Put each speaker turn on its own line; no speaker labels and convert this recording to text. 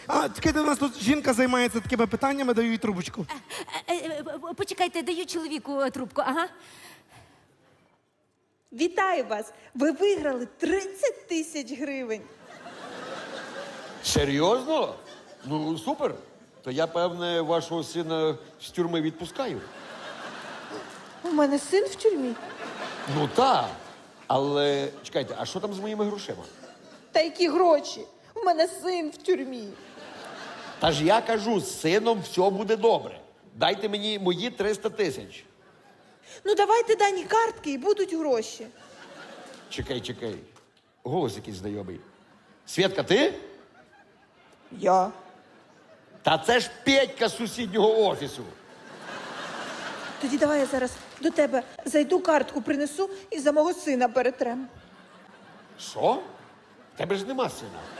А, чекайте, у нас тут жінка займається такими питаннями, даю їй трубочку.
Почекайте, даю чоловіку трубку, ага.
Вітаю вас! Ви виграли 30 тисяч гривень.
Серйозно? Ну, супер. То я, певне, вашого сина з тюрми відпускаю.
У мене син в тюрмі.
Ну так. Але чекайте, а що там з моїми грошима?
Та які гроші? У мене син в тюрмі.
Та ж я кажу, з сином все буде добре. Дайте мені мої 300 тисяч.
Ну давайте дані картки і будуть гроші.
Чекай. Голос якийсь знайомий. Свєтка, ти?
Я.
Та це ж Петька з сусіднього офісу.
Тоді давай я зараз до тебе зайду, картку принесу і за мого сина перетрем.
Що? В тебе ж нема сина.